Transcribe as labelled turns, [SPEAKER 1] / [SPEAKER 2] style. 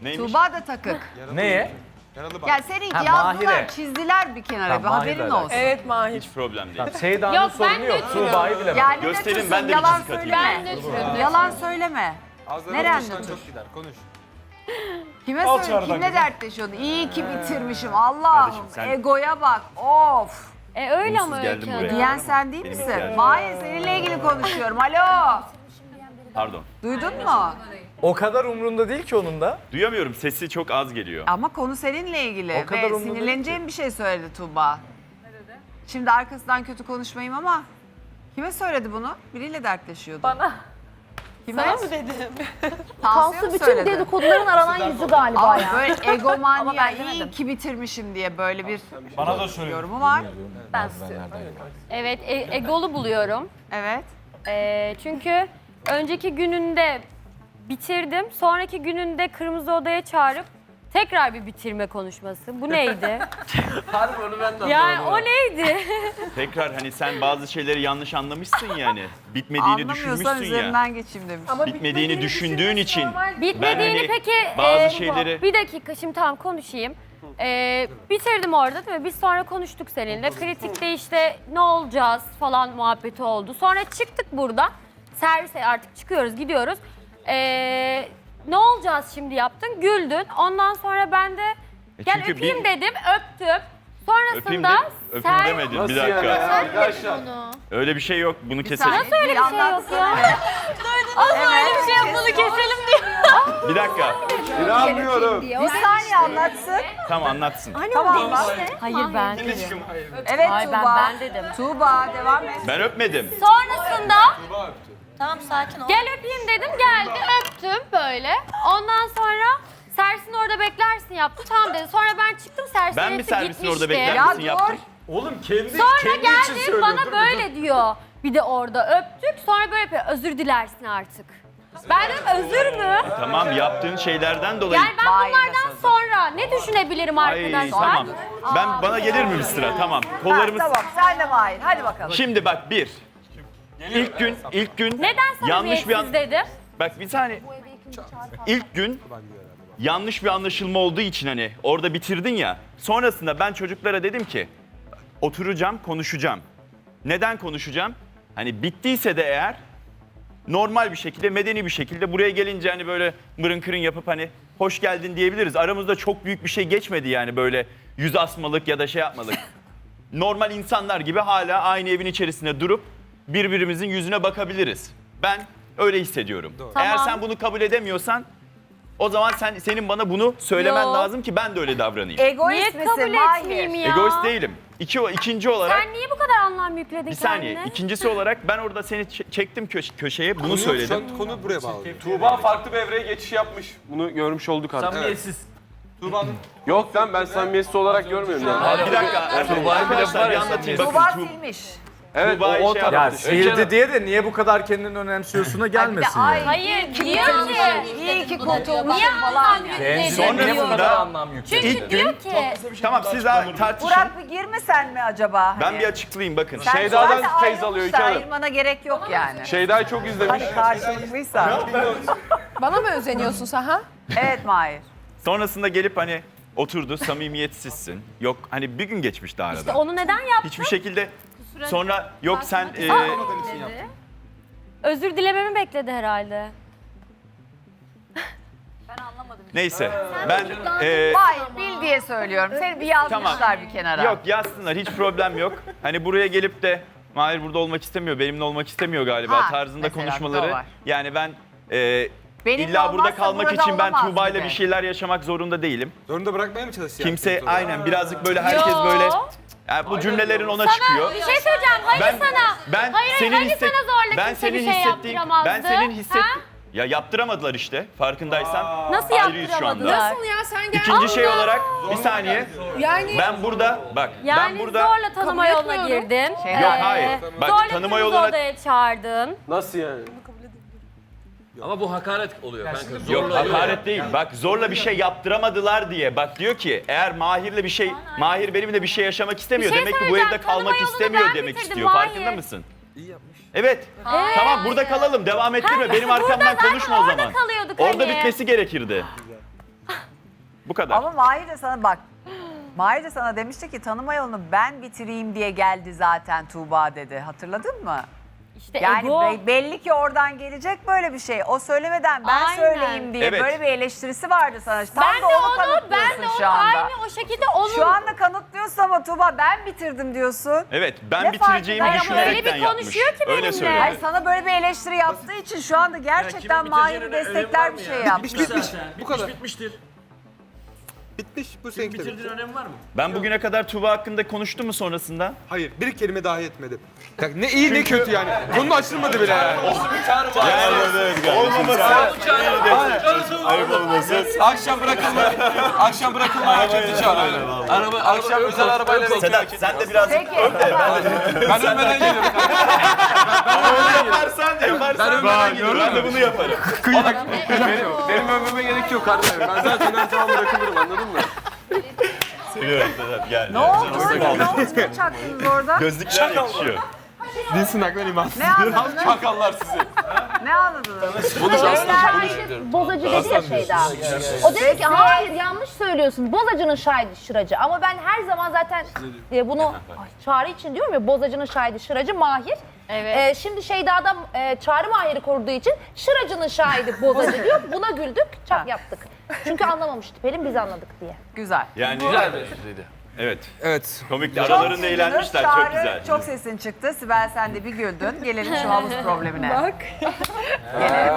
[SPEAKER 1] Neymiş?
[SPEAKER 2] Tuğba da takık.
[SPEAKER 3] Neye?
[SPEAKER 2] Yani seni
[SPEAKER 3] Ha,
[SPEAKER 2] yazdılar,
[SPEAKER 3] Mahir'e.
[SPEAKER 2] çizdiler bir kenara.
[SPEAKER 3] Tamam,
[SPEAKER 2] Bir haberin
[SPEAKER 3] Mahir'le
[SPEAKER 2] olsun.
[SPEAKER 4] Evet Mahir.
[SPEAKER 1] Hiç problem değil.
[SPEAKER 3] Tamam, Seyda'nın
[SPEAKER 5] Yok, ben
[SPEAKER 3] sorunu yok.
[SPEAKER 5] nötrüm.
[SPEAKER 3] Tuğba'yı bilemem.
[SPEAKER 2] Yani ne
[SPEAKER 1] Gösterin,
[SPEAKER 2] nötrsün,
[SPEAKER 1] ben de bir
[SPEAKER 2] yalan
[SPEAKER 1] çizik atayım.
[SPEAKER 2] söyleme.
[SPEAKER 5] Ben nötrüm.
[SPEAKER 2] Yalan söyleme. Neren nötr?
[SPEAKER 6] Çok gider konuş.
[SPEAKER 2] Kime
[SPEAKER 6] Al
[SPEAKER 2] söyle,
[SPEAKER 6] çağırdan
[SPEAKER 2] kimle
[SPEAKER 6] kızım.
[SPEAKER 2] dertleşiyordun? İyi ki bitirmişim. Allah'ım,
[SPEAKER 1] Kardeşim sen-
[SPEAKER 2] egoya bak. Of.
[SPEAKER 5] Öyle ama
[SPEAKER 1] Umutsuz geldim
[SPEAKER 5] Öykü
[SPEAKER 1] buraya.
[SPEAKER 5] Hanım.
[SPEAKER 2] Diyen sen değil
[SPEAKER 1] Benim
[SPEAKER 2] misin?
[SPEAKER 1] ihtiyacım.
[SPEAKER 2] Mahir, seninle ilgili konuşuyorum. Alo.
[SPEAKER 1] Pardon.
[SPEAKER 2] Duydun mu?
[SPEAKER 3] O kadar umrunda değil ki onun da.
[SPEAKER 1] Duyamıyorum. Sesi çok az geliyor.
[SPEAKER 2] Ama konu seninle ilgili
[SPEAKER 3] O kadar
[SPEAKER 2] ve
[SPEAKER 3] umurumda
[SPEAKER 2] sinirleneceğim bir şey söyledi Tuğba. Şimdi arkasından kötü konuşmayayım ama kime söyledi bunu? Biriyle dertleşiyordu.
[SPEAKER 4] Bana.
[SPEAKER 2] Kime?
[SPEAKER 4] Sana mı dedim?
[SPEAKER 2] Tansu
[SPEAKER 7] Tansu bütün
[SPEAKER 2] söyledi.
[SPEAKER 7] dedikoduların aranan yüzü galiba
[SPEAKER 2] Ama
[SPEAKER 7] ya.
[SPEAKER 2] böyle
[SPEAKER 7] Ama
[SPEAKER 2] egomanya,
[SPEAKER 7] ben
[SPEAKER 2] iyi
[SPEAKER 7] demedim.
[SPEAKER 2] ki bitirmişim diye böyle bir
[SPEAKER 6] Bana da söyle.
[SPEAKER 2] yorumu var.
[SPEAKER 7] Ben istiyorum.
[SPEAKER 5] Evet, egolu buluyorum.
[SPEAKER 2] Evet.
[SPEAKER 5] Çünkü önceki gününde bitirdim. Sonraki gününde Kırmızı Oda'ya çağırıp tekrar bir bitirme konuşması. Bu neydi?
[SPEAKER 3] Harbi onu ben de
[SPEAKER 5] Yani o neydi?
[SPEAKER 1] Tekrar hani sen bazı şeyleri yanlış anlamışsın yani. Bitmediğini
[SPEAKER 2] Anlamıyorsan
[SPEAKER 1] düşünmüşsün ya.
[SPEAKER 2] üzerinden geçeyim demiş.
[SPEAKER 1] Bitmediğini düşündüğün için.
[SPEAKER 5] Bitmediğini
[SPEAKER 1] hani
[SPEAKER 5] peki...
[SPEAKER 1] bazı şeyleri-
[SPEAKER 5] Bir dakika şimdi tamam konuşayım. Bitirdim orada değil mi? Biz sonra konuştuk seninle. Kritikte işte ne olacağız falan muhabbeti oldu. Sonra çıktık buradan. Servise artık çıkıyoruz gidiyoruz. Ne olacağız şimdi yaptın? Güldün. Ondan sonra ben de gel
[SPEAKER 1] çünkü
[SPEAKER 5] öpeyim
[SPEAKER 1] bir-
[SPEAKER 5] dedim. Öptüm.
[SPEAKER 1] Öpeyim,
[SPEAKER 5] Sonrasında
[SPEAKER 1] öpeyim demedim. Bir dakika.
[SPEAKER 3] Arkadaşlar.
[SPEAKER 1] Öyle bir şey yok. Bunu
[SPEAKER 2] Bir
[SPEAKER 1] keselim.
[SPEAKER 2] saniye,
[SPEAKER 5] öyle bir şey
[SPEAKER 2] anlatsana.
[SPEAKER 5] yok ya? Asla öyle bir şey yok. Bunu keselim diyor.
[SPEAKER 1] Bir dakika.
[SPEAKER 3] İnanmıyorum.
[SPEAKER 2] Bir saniye anlatsın.
[SPEAKER 1] Tamam anlatsın.
[SPEAKER 2] Tamam anlat.
[SPEAKER 5] Hayır ben.
[SPEAKER 2] Evet
[SPEAKER 5] Hayır,
[SPEAKER 2] Tuğba.
[SPEAKER 5] ben dedim.
[SPEAKER 2] Tuğba devam et.
[SPEAKER 1] Ben öpmedim.
[SPEAKER 5] Sonrasında
[SPEAKER 7] Tamam sakin ol.
[SPEAKER 5] gel öpeyim dedim. Geldi öptüm böyle. Ondan sonra servisin orada beklersin yaptı. Tamam dedi. Sonra ben çıktım servisin
[SPEAKER 1] Ben mi
[SPEAKER 5] hepsi
[SPEAKER 1] servisin orada
[SPEAKER 5] gitmişti.
[SPEAKER 1] bekler
[SPEAKER 2] Ya
[SPEAKER 1] misin
[SPEAKER 2] dur.
[SPEAKER 1] yaptım?
[SPEAKER 3] Oğlum kendi
[SPEAKER 5] Sonra
[SPEAKER 3] için
[SPEAKER 5] geldi
[SPEAKER 3] söylüyor.
[SPEAKER 5] bana
[SPEAKER 3] Dur,
[SPEAKER 5] böyle diyor. Bir de orada öptük. Sonra böyle yapıyor. Özür dilersin artık. Ben dedim özür mü?
[SPEAKER 1] Tamam yaptığın şeylerden dolayı.
[SPEAKER 5] Yani ben
[SPEAKER 2] Mahir'le
[SPEAKER 5] bunlardan sonra ne düşünebilirim
[SPEAKER 1] Ay
[SPEAKER 5] arkadaşlar?
[SPEAKER 1] tamam. Bana gelir mi bir sıra? Tamam.
[SPEAKER 2] Ha,
[SPEAKER 1] Kollarımız.
[SPEAKER 2] tamam sen de Mahir. Hadi bakalım.
[SPEAKER 1] Şimdi bak bir. İlk gün
[SPEAKER 5] Neden
[SPEAKER 1] yanlış bir
[SPEAKER 5] samimiyetsiz dedim?
[SPEAKER 1] Bak bir saniye. İlk gün yanlış bir anlaşılma olduğu için hani orada bitirdin ya. Sonrasında ben çocuklara dedim ki oturacağım, konuşacağım. Neden konuşacağım? Hani bittiyse de eğer normal bir şekilde, medeni bir şekilde buraya gelince hani böyle mırın kırın yapıp hani hoş geldin diyebiliriz. Aramızda çok büyük bir şey geçmedi yani böyle yüz asmalık ya da şey yapmalık. Normal insanlar gibi hala aynı evin içerisinde durup birbirimizin yüzüne bakabiliriz. Ben öyle hissediyorum. Eğer
[SPEAKER 5] Tamam.
[SPEAKER 1] sen bunu kabul edemiyorsan o zaman senin bana bunu söylemen
[SPEAKER 5] Yo.
[SPEAKER 1] lazım ki ben de öyle davranayım.
[SPEAKER 2] Egoist
[SPEAKER 5] Niye
[SPEAKER 2] misin
[SPEAKER 5] kabul
[SPEAKER 2] Mahir?
[SPEAKER 5] etmeyeyim ya?
[SPEAKER 1] Egoist değilim. İkinci olarak
[SPEAKER 5] Sen niye bu kadar anlam yükledin
[SPEAKER 1] bir saniye.
[SPEAKER 5] kendine?
[SPEAKER 1] İkincisi olarak ben orada seni çektim köşeye bunu söyledim.
[SPEAKER 6] Konu buraya bağlı.
[SPEAKER 8] Tuğba farklı bir evreye geçiş yapmış. Bunu görmüş olduk artık.
[SPEAKER 3] Samimiyetsiz.
[SPEAKER 8] Yok lan ben samimiyetsiz olarak görmüyorum yani.
[SPEAKER 1] Bir dakika arkadaşlar bir anlatayım.
[SPEAKER 2] Tuğba
[SPEAKER 1] Bakın
[SPEAKER 2] silmiş.
[SPEAKER 8] Evet
[SPEAKER 1] Tuğba'yı
[SPEAKER 8] o
[SPEAKER 1] şey
[SPEAKER 8] taraf.
[SPEAKER 3] Ya
[SPEAKER 1] yaptı.
[SPEAKER 3] seyirdi diye de niye bu kadar kendini önemsiyorsun'a gelmesin
[SPEAKER 2] ay,
[SPEAKER 3] yani.
[SPEAKER 5] Hayır diyor ki.
[SPEAKER 2] İyi ki kurtulmuşum
[SPEAKER 5] Niye
[SPEAKER 2] falan.
[SPEAKER 5] anlam
[SPEAKER 2] yani.
[SPEAKER 5] yükledin
[SPEAKER 1] Sonrasında-
[SPEAKER 3] Niye bu kadar
[SPEAKER 5] diyor.
[SPEAKER 3] anlam yükledin?
[SPEAKER 5] Çünkü
[SPEAKER 1] İlk gün-
[SPEAKER 5] diyor ki.
[SPEAKER 1] Tamam siz daha tartışın.
[SPEAKER 2] Burak bir girmesen mi acaba?
[SPEAKER 1] Ben
[SPEAKER 2] Hani?
[SPEAKER 1] bir açıklayayım bakın.
[SPEAKER 2] Sen
[SPEAKER 8] Şeyda'dan
[SPEAKER 2] zaten
[SPEAKER 8] feyz alıyor
[SPEAKER 2] ayrılmışsa
[SPEAKER 8] İlker Hanım.
[SPEAKER 2] ayırmana gerek yok yani.
[SPEAKER 8] Şeyda'yı çok izlemiş.
[SPEAKER 2] Hani karşılıklıysa.
[SPEAKER 4] Bana mı özeniyorsun sen ha?
[SPEAKER 2] Evet Mahir.
[SPEAKER 1] Sonrasında gelip hani oturdu samimiyetsizsin. Yok hani bir gün geçmişti arada.
[SPEAKER 5] İşte onu neden yaptın?
[SPEAKER 1] Hiçbir şekilde sonra yok sen
[SPEAKER 5] Özür dilememi bekledi herhalde.
[SPEAKER 1] neyse ben
[SPEAKER 2] Mahir bil diye söylüyorum. Seni bir yazmışlar bir kenara.
[SPEAKER 1] yok yazsınlar hiç problem yok. Hani buraya gelip de Mahir burada olmak istemiyor, benimle olmak istemiyor galiba
[SPEAKER 2] Ha,
[SPEAKER 1] tarzında
[SPEAKER 2] mesela bir de o
[SPEAKER 1] konuşmaları.
[SPEAKER 2] var.
[SPEAKER 1] Yani ben
[SPEAKER 2] Benimle
[SPEAKER 1] illa burada
[SPEAKER 2] olmazsa
[SPEAKER 1] kalmak
[SPEAKER 2] burada
[SPEAKER 1] için ben
[SPEAKER 2] olamaz
[SPEAKER 1] Tuğba'yla
[SPEAKER 2] gibi.
[SPEAKER 1] bir şeyler yaşamak zorunda değilim.
[SPEAKER 6] Zorunda bırakmaya mı çalışıyor?
[SPEAKER 1] Kimse aynen birazcık böyle herkes böyle yani bu cümlelerin ona çıkıyor.
[SPEAKER 5] Bir şey söyleyeceğim. Hayır
[SPEAKER 1] Ben-
[SPEAKER 5] sana.
[SPEAKER 1] Ben
[SPEAKER 5] hayır,
[SPEAKER 1] senin
[SPEAKER 5] hani
[SPEAKER 1] hisset-
[SPEAKER 5] sana zorla
[SPEAKER 1] ben
[SPEAKER 5] kimse
[SPEAKER 1] senin
[SPEAKER 5] bir şey
[SPEAKER 1] hissettiğin
[SPEAKER 5] yaptıramazdı.
[SPEAKER 1] ben senin hisset
[SPEAKER 5] Ha?
[SPEAKER 1] ya yaptıramadılar işte farkındaysan.
[SPEAKER 5] Nasıl
[SPEAKER 1] Ayrıyız şu anda.
[SPEAKER 5] yaptıramadılar?
[SPEAKER 4] Nasıl ya sen gel.
[SPEAKER 1] İkinci şey olarak bir saniye
[SPEAKER 4] Yani
[SPEAKER 1] ben burada bak
[SPEAKER 5] Yani
[SPEAKER 1] ben burada
[SPEAKER 5] zorla tanıma
[SPEAKER 4] Kabul
[SPEAKER 5] yoluna
[SPEAKER 4] etmiyorum.
[SPEAKER 5] girdin.
[SPEAKER 1] Yok, hayır. Bak,
[SPEAKER 5] zorla
[SPEAKER 1] tanıma
[SPEAKER 5] kırmızı
[SPEAKER 1] yoluna-
[SPEAKER 5] odaya çağırdın.
[SPEAKER 8] Nasıl yani?
[SPEAKER 3] Ama bu hakaret oluyor kanka.
[SPEAKER 1] yok hakaret değil. Bak zorla bir şey yaptıramadılar diye. Bak diyor ki eğer Mahir'le bir şey Mahir benimle bir şey yaşamak istemiyor.
[SPEAKER 5] Bir şey
[SPEAKER 1] demek ki bu
[SPEAKER 5] söyleyeceğim,
[SPEAKER 1] evde
[SPEAKER 5] tanıma
[SPEAKER 1] kalmak
[SPEAKER 5] yolunu
[SPEAKER 1] istemiyor
[SPEAKER 5] ben
[SPEAKER 1] demek
[SPEAKER 5] bitirdim,
[SPEAKER 1] istiyor.
[SPEAKER 5] Mahir.
[SPEAKER 1] Farkında mısın? Evet. Tamam burada kalalım. Devam ettirme. Benim
[SPEAKER 5] burada
[SPEAKER 1] arkamdan
[SPEAKER 5] zaten
[SPEAKER 1] konuşma o
[SPEAKER 5] orada
[SPEAKER 1] zaman.
[SPEAKER 5] kalıyorduk
[SPEAKER 1] Orada
[SPEAKER 5] hani.
[SPEAKER 1] bitmesi gerekirdi. Bu kadar.
[SPEAKER 2] Ama Mahir de sana bak. Mahir de sana demişti ki tanıma yolunu ben bitireyim diye geldi zaten Tuğba dedi. Hatırladın mı?
[SPEAKER 5] İşte
[SPEAKER 2] Yani
[SPEAKER 5] ego.
[SPEAKER 2] belli ki oradan gelecek böyle bir şey. O söylemeden ben
[SPEAKER 5] Aynen.
[SPEAKER 2] söyleyeyim diye
[SPEAKER 1] Evet.
[SPEAKER 2] böyle bir eleştirisi vardı sana. Tam
[SPEAKER 5] Ben
[SPEAKER 2] da onu
[SPEAKER 5] ben de
[SPEAKER 2] kanıtlıyorsun
[SPEAKER 5] onu
[SPEAKER 2] şu anda.
[SPEAKER 5] aynı o şekilde onun.
[SPEAKER 2] Şu anda kanıtlıyorsun ama Tuğba ben bitirdim diyorsun.
[SPEAKER 1] Evet, ben
[SPEAKER 2] Ne
[SPEAKER 1] bitireceğimi
[SPEAKER 2] farkı var?
[SPEAKER 1] düşünerekten
[SPEAKER 5] Öyle bir
[SPEAKER 1] yapmış.
[SPEAKER 5] konuşuyor ki
[SPEAKER 1] Öyle
[SPEAKER 5] benimle.
[SPEAKER 1] söyledi.
[SPEAKER 2] Hayır sana böyle bir eleştiri yaptığı için şu anda gerçekten Mahir'i destekler bir şey yaptı.
[SPEAKER 6] Bitmiş. Bu kadar.
[SPEAKER 3] Bitmiştir.
[SPEAKER 6] Bitmiş. Bu seninki de bitti.
[SPEAKER 3] Bitirdiğin önemi var mı?
[SPEAKER 1] Ben bugüne kadar Tuğba hakkında konuştum mu sonrasında?
[SPEAKER 6] Hayır, bir kelime dahi etmedi. Ya ne iyi ne kötü yani. Konu açılmadı bile yani. Akşam bırakılma hareketi çağır. Akşam özel arabayla
[SPEAKER 1] Sedat sen de biraz
[SPEAKER 2] Peki.
[SPEAKER 6] Ben ölmeden geliyorum.
[SPEAKER 1] yaparsan ben geliyorum. Ben de bunu yaparım.
[SPEAKER 8] Benim övmeme gerek yok kardeşim. Ben zaten her zaman bırakılırım, anladın mı?
[SPEAKER 1] Seviyorum Sedat gel.
[SPEAKER 2] Ne oldu? Ne oldu? Ne çaktınız orada?
[SPEAKER 1] Gözlükler yakışıyor.
[SPEAKER 6] Dinsin aklına iman.
[SPEAKER 2] Ne anladınız?
[SPEAKER 8] Çakallar sizi.
[SPEAKER 2] Ne anladınız?
[SPEAKER 7] Bozacı dedi ya Şeyda. O dedi ki hayır yanlış söylüyorsun. Bozacının şahidi şıracı. Ama ben her zaman zaten bunu Çağrı için diyorum ya bozacının şahidi şıracı Mahir.
[SPEAKER 5] Evet.
[SPEAKER 7] Şimdi Şeyda'da Çağrı Mahir'i koruduğu için şıracının şahidi bozacı diyor. Buna güldük, çak yaptık. Çünkü anlamamıştı Pelin, biz anladık diye.
[SPEAKER 2] Güzel.
[SPEAKER 1] Yani
[SPEAKER 3] Güzel bir espriydi.
[SPEAKER 1] evet.
[SPEAKER 6] Evet.
[SPEAKER 1] Komikti. Aralarında
[SPEAKER 2] güldünüz.
[SPEAKER 1] eğlenmişler.
[SPEAKER 2] Çağrı,
[SPEAKER 1] Çok güzel.
[SPEAKER 2] Çok sesin çıktı. Sibel sen de bir güldün. Gelelim şu havuz problemine. Bak. Gelelim